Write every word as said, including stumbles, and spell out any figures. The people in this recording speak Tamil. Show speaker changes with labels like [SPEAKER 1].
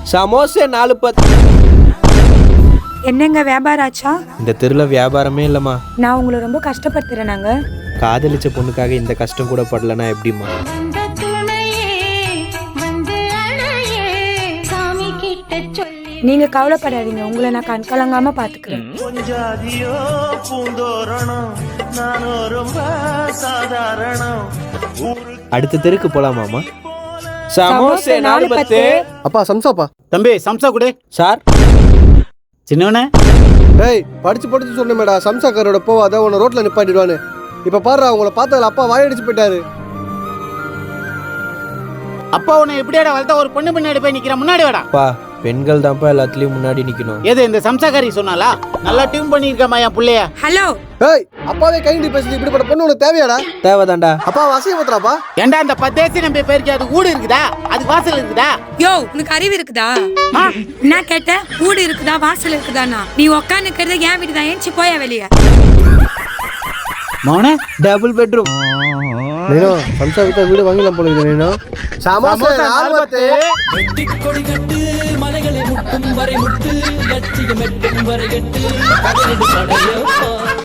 [SPEAKER 1] சமோசா நாலு பத்து.
[SPEAKER 2] என்னங்க வியாபாரம் ஆச்சா?
[SPEAKER 1] இந்த தெருல வியாபாரமே இல்லம்மா.
[SPEAKER 2] நான் உங்களை ரொம்ப கஷ்டப்படுத்துறேனாங்க.
[SPEAKER 1] காதலிச்ச பொண்ணுக்காக இந்த கஷ்டம் கூட படலனா எப்படிம்மா?
[SPEAKER 2] நீங்க கவலைப்படாதீங்க, உங்களை நான் கண் கலங்காம பாத்துக்கிறேன்.
[SPEAKER 1] அடுத்த தெருக்கு போலாமாமா? சமோசா நாலு பத்து.
[SPEAKER 3] அப்பா சம்சாப்பா.
[SPEAKER 4] தம்பி சம்சா கொடு.
[SPEAKER 1] சார்
[SPEAKER 4] சின்னவனே.
[SPEAKER 3] டேய் படிச்சு படிச்சு சொன்னேடா சம்சாக்காரோட போவாத உன்னை ரோட்ல நிப்பாட்டிடுவான்னு. இப்ப பாரு உங்களை பார்த்ததுல அப்பா வாயடிச்சு போயிட்டாரு.
[SPEAKER 4] அப்பா உன்னை எப்படியாடா வளர்த்தா ஒரு பொண்ணு பின்னாடி போய் நிக்கிற முன்னாடி வாடா.
[SPEAKER 1] பா பெண்கள் தான்ப்பா எல்லாத்துலயும் முன்னாடி நிக்கணும்.
[SPEAKER 4] எது இந்த சம்சாக்காரி சொன்னாலா? நல்லா டியூன் பண்ணிருக்கமா என் புள்ளைய.
[SPEAKER 2] ஹலோ.
[SPEAKER 3] ஏய் அப்பாவே கைண்டி பேசுது, இப்படிப்பட்ட பொண்ணு உனக்கு தேவையாடா?
[SPEAKER 1] தேவைதான்டா.
[SPEAKER 3] அப்பா அசிங்கப்படுத்துறாப்பா.
[SPEAKER 4] ஏண்டா அந்த பத்தேசி நம்பி பேருக்கு அது ஊடு இருக்குதா? அது வாசல் இருக்குதா?
[SPEAKER 2] யோ உனக்கு அறிவு இருக்குதா? என்ன கேட்ட? ஊடு இருக்குதா வாசல் இருக்குதானா? நீ உட்காந்துக்கிறது என் வீடு தான், ஏஞ்சி போயா வெளியே.
[SPEAKER 4] மௌன
[SPEAKER 1] டபுள் பெட்ரூம்.
[SPEAKER 3] நீனோ சம்சா விட்டா வீடு வாங்கலாம் போல இருக்கு. நீனோ சமோசா நாலு பத்து.
[SPEAKER 5] வெட்டி கொடி கட்டு மலைகளை முட்டும் வரை முட்டு லட்சியம் எட்டும் வரை எட்டு